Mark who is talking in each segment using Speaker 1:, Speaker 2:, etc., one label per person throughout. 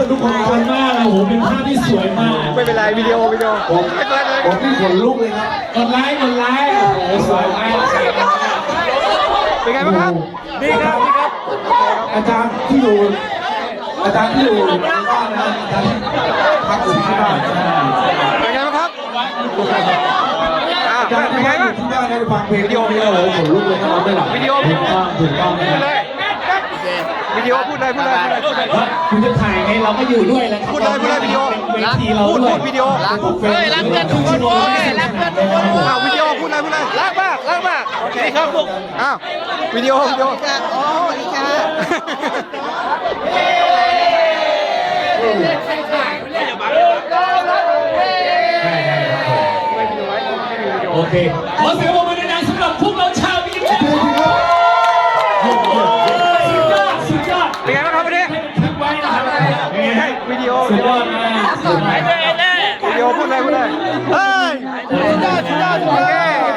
Speaker 1: ทุกคนขอบคุณมากโอ้โหเป็นภาพที่สวยมาก
Speaker 2: ไม่เป็นไรวิดีโอไม่เป็นไร
Speaker 3: ผมที่ขนลุกเลยครับ
Speaker 1: กดไลค์โอ้โหสวยมาก
Speaker 2: เป็นไงบ้างครับดีครับดีครับ
Speaker 3: อาจารย์ที่อยู่ในบ้านนะครับอาจารย์พักอยู่ที่บ้าน
Speaker 2: เป็นไงบ้างครับ
Speaker 3: อาจารย์
Speaker 2: เป็นไงบ้าง
Speaker 3: ที่บ้านได้ฟังเพลงวิดีโอนี้โอ้โหขนลุกเลยครับไม่หลับ
Speaker 2: วิดีโอ
Speaker 1: ถูกต้อง
Speaker 2: พูดเลยวิดีโอพูดเลย
Speaker 1: คุณจะถ่ายไงเราก็อยู่ด้วยแหละ
Speaker 2: พูดเลยวิดีโอ
Speaker 1: เวทีเรา
Speaker 2: พูด
Speaker 1: ด้วย
Speaker 2: วิดีโอ
Speaker 1: เฮ้ยรักเพื่อนทุกคนเลยรักเพื่อนทุกคน
Speaker 2: วิดีโอพูดเลยรักมากโอเคครับลูกอ้าววิดีโอ
Speaker 4: โอ้ดีค่ะ
Speaker 1: โอเคขอเสียงปรบมือดังๆสำหรับพวกเราชาววิทยาสุดยอด
Speaker 2: เป็นไงบ้างครับวันนี้
Speaker 1: ทิ้งไว้นะครับ
Speaker 2: วิดีโอ
Speaker 1: สุดยอดมากสุดยอด
Speaker 2: วิดีโอพูดเลยเฮ้ยสุดยอดโอเค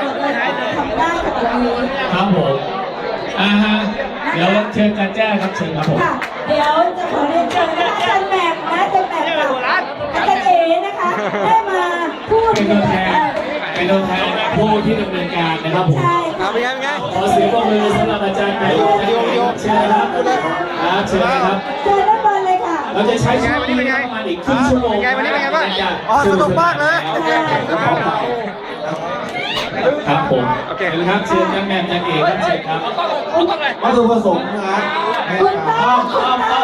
Speaker 1: ครับผมฮะเดี๋ยวเชิญการแจ้งครับเชิญครับผม
Speaker 5: ค่ะเดี๋ยวจะขอเรียนเชิญนะคะอาจารย์แหม่มนะอาจารย์แหม่มกับอาจารย์เอ๋นะคะได้มาพูด
Speaker 1: เป็นตัวแทนผู้ที่ดำเนินการนะครับผม
Speaker 5: ใช่
Speaker 2: เป็นไง
Speaker 1: ขอเสียงปรบมือสำหรับอาจารย์แม่เชิญครับเชิญครับ
Speaker 5: เชิญด้านบนเลยค่ะ
Speaker 1: เราจะใช้ช่วงนี้ประมาณอีกครึ่งชั่วโมง
Speaker 2: วันนี้เป็นไงบ้างอ๋อสนุกมากเลย
Speaker 1: ครับผมโอเคครับเชิญอาจารย์แม่อาจารย์เอกครับเชิญครับ
Speaker 3: วัตถุประสงค์นะครับ
Speaker 5: คุณต้อ
Speaker 1: ต้อง